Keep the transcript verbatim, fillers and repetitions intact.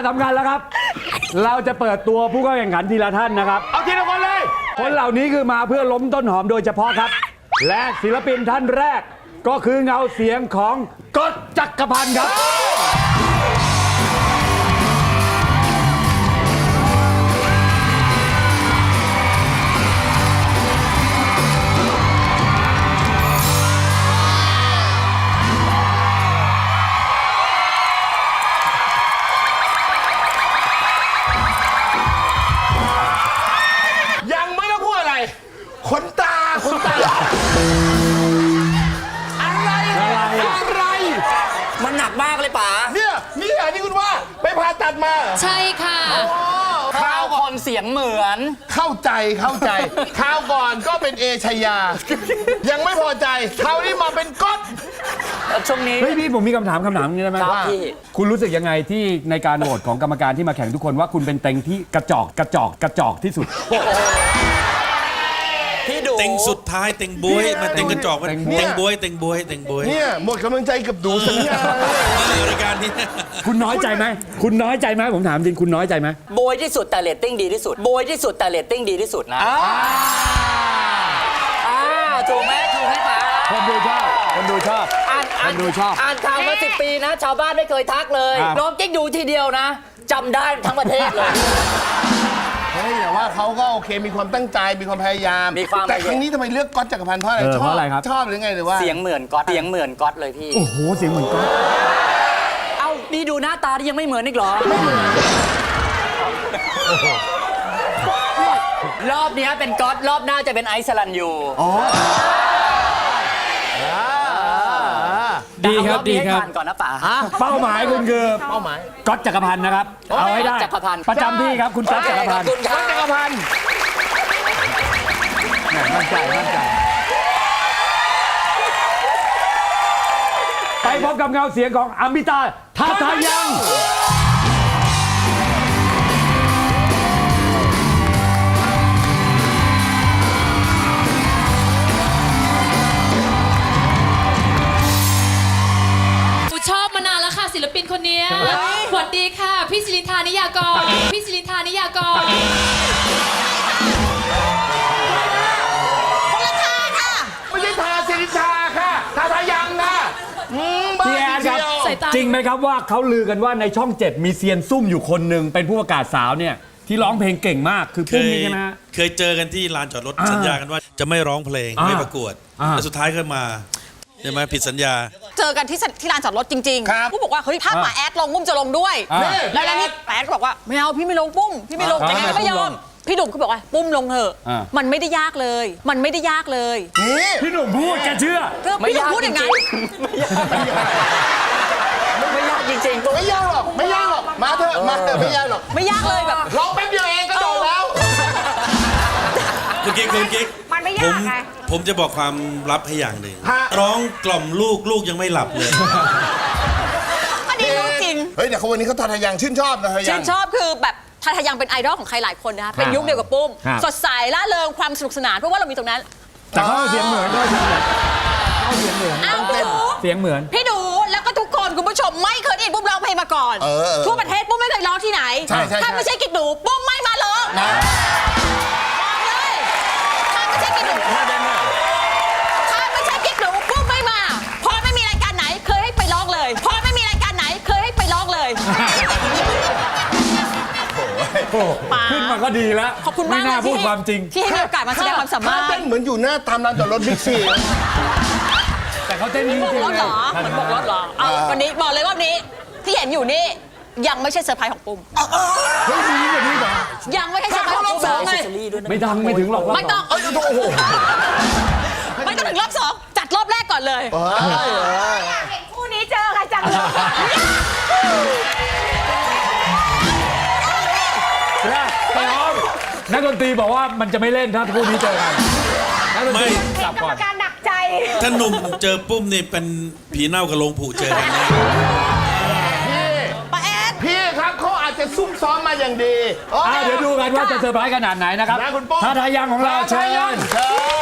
สำคัญแล้วครับ เราจะเปิดตัวผู้เข้าแข่งขันทีละท่านนะครับเอาทีละคนเลยคนเหล่านี้คือมาเพื่อล้มต้นหอมโดยเฉพาะครับและศิลปินท่านแรกก็คือเงาเสียงของก๊อตจักรพันธ์ครับขนตาขนตาอะไรอะไรมันหนักมากเลยป๋าเนี่ยนี่เหรอที่คุณว่าไปผ่าตัดมาใช่ค่ะข้าวก่อนเสียงเหมือนเข้าใจเข้าใจข้าวก่อนก็เป็นเอชยายังไม่พอใจคราวนี้มาเป็นก๊อตช่วงนี้เฮ้ยพี่ผมมีคำถามคำถามนี้ได้ไหมว่าคุณรู้สึกยังไงที่ในการโหวตของกรรมการที่มาแข่งทุกคนว่าคุณเป็นเต็งที่กระจอกกระจอกกระจอกที่สุดเต็งสุดท้ายเต็งบวยมาเต็งกระจอกเต็งบวยเต็งบวยเต็งบวยเนี่ยหมดกำลังใจกับดูสัญญารายการนี้คุณน้อยใจไหมคุณน้อยใจไหมผมถามจริงคุณน้อยใจไหมบวยที่สุดแต่เรตติ้งดีที่สุดบวยที่สุดแต่เรตติ้งดีที่สุดนะอ่าถูกไหมถูกไหมป๋าคนดูชอบคนดูชอบคนดูชอบอ่านข่าวมาสิบปีนะชาวบ้านไม่เคยทักเลยน้องจิ๊กดูทีเดียวนะจำได้ทั้งประเทศเลยเฮ้ยแต่ว่าเขาก็โอเคมีความตั้งใจมีความพยายามแต่ครั้งนี้ทำไมเลือกก๊อตจักรพันธ์เพราะอะไรชอบชอบหรือไงหรือว่าเสียงเหมือนก๊อตเสียงเหมือนก๊อตเลยพี่โอ้โหเสียงเหมือนก๊อตเอ้านี่ดูหน้าตาที่ยังไม่เหมือนอีกเหรอรอบนี้เป็นก๊อตรอบหน้าจะเป็นไอซ์สลันยูดีครับดีครับก่อนนะป๋าเป้าหมายคุณคือเป้าหมายก๊อตจักรพันธ์นะครับเอาให้ได้ประจำที่ครับคุณก๊อตจักรพันธ์ก๊อตจักรพันธ์มั่นใจมั่นใจไปพบกับเงาเสียงของอมิตาทาทายังชอบมานานแล้วค่ะศิลปินคนนี้สวัสดีค่ะพี่ศิรินทานิยากรพี่ศิรินทานิยากรคนละทาค่ะไม่ใช่ทาศิรินทาค่ะทาทายังนะพี่แอนครับจริงไหมครับว่าเขาลือกันว่าในช่องเจ็ดมีเซียนซุ่มอยู่คนหนึ่งเป็นผู้ประกาศสาวเนี่ยที่ร้องเพลงเก่งมากคือปุ้มนี่ใช่ไหมฮะเคยเจอกันที่ลานจอดรถสัญญากันว่าจะไม่ร้องเพลงไม่ประกวดแต่สุดท้ายก็มาใช่ไหมผิดสัญญาเจอกันที่ที่ลานจอดรถจริงๆผู้บอกว่าเฮ้ยถ้าหมาแอดลงปุ้มจะลงด้วยแล้วนี่แอดก็บอกว่าไม่เอาพี่ไม่ลงปุ้มพี่ไม่ลงแต่แอดไม่ยอมพี่หนุ่มเขาบอกว่าปุ้มลงเถอะมันไม่ได้ยากเลยมันไม่ได้ยากเลยพี่หนุ่มพูดแกเชื่อพี่หนุ่มพูดอย่างนั้นไม่ยากจริงๆไม่ยากหรอกไม่ยากหรอกมาเถอะมาเถอะไม่ยากหรอกไม่ยากเลยแบบร้องแป๊บเดียวเองก็โดนแล้วคุณกิ๊กคุณกิ๊กมันไม่ยากไงผมจะบอกความลับให้อย่างหนึ่งร้องกล่อมลูกลูกยังไม่หลับเลยอันนี้รู้จริงเฮ้ยแต่คนวันนี้เขาทาทายังชื่นชอบนะทายังชื่นชอบคือแบบทาทายังเป็นไอดอลของใครหลายคนนะคะเป็นยุคเดียวกับปุ้มสดใสล่าเริงความสนุกสนานเพราะว่าเรามีตรงนั้นแต่เขาเสียงเหมือนด้วยเขาเสียงเหมือนอ้าวพี่ดูเสียงเหมือนพี่ดูแล้วก็ทุกคนคุณผู้ชมไม่เคยได้ยินปุ้มร้องเพลงมาก่อนทั่วประเทศปุ้มไม่เคยร้องที่ไหนถ้าไม่ใช่กิ๊กดูปุ้มไม่มาร้องบอกเลยถ้าไม่ใช่กิ๊กดูถ้าไม่ใช่กิ๊กดูปุ้มไม่มาพอไม่มีรายการไหนเคยให้ไปร้องเลยพอไม่มีรายการไหนเคยให้ไปร้องเลยขึ้นมาก็ดีแล้วขอบคุณมากไม่น่าพูดความจริงที่ให้มีโอกาสมาแสดงความสามารถเต้นเหมือนอยู่หน้าตามลานจอดรถบิ๊กซีแต่เขาเต้นจริงจริงเลยเหมือนบอกรถเหรอเอาวันนี้บอกเลยว่าวันนี้ที่เห็นอยู่นี่ยังไม่ใช่เซอร์ไพรส์ของปุ้มเฮ้ยมีแบบนี้เหรอยังไม่ใช่เซอร์ไพรส์ของปุ้มไงไม่ดังไม่ถึงหรอกไม่ต้องไม่ต้องถึงรอบสองจัดรอบแรกก่อนเลยเห็นคู่นี้เจอใครจังเลยนักดนตรีบอกว่ามันจะไม่เล่นถ้าคู่นี้เจอกันไม่กรรมการหนักใจถ้าหนุ่มเจอปุ้มนี่เป็นผีเน่ากับโลงผูเจอกันแน่ป้าแอดพี่ครับเขาอาจจะซุ่มซ้อมมาอย่างดีเดี๋ยวดูกันว่าจะเซอร์ไพรส์ขนาดไหนนะครับนะคุณปุ้มทาทายังของเราเชิญ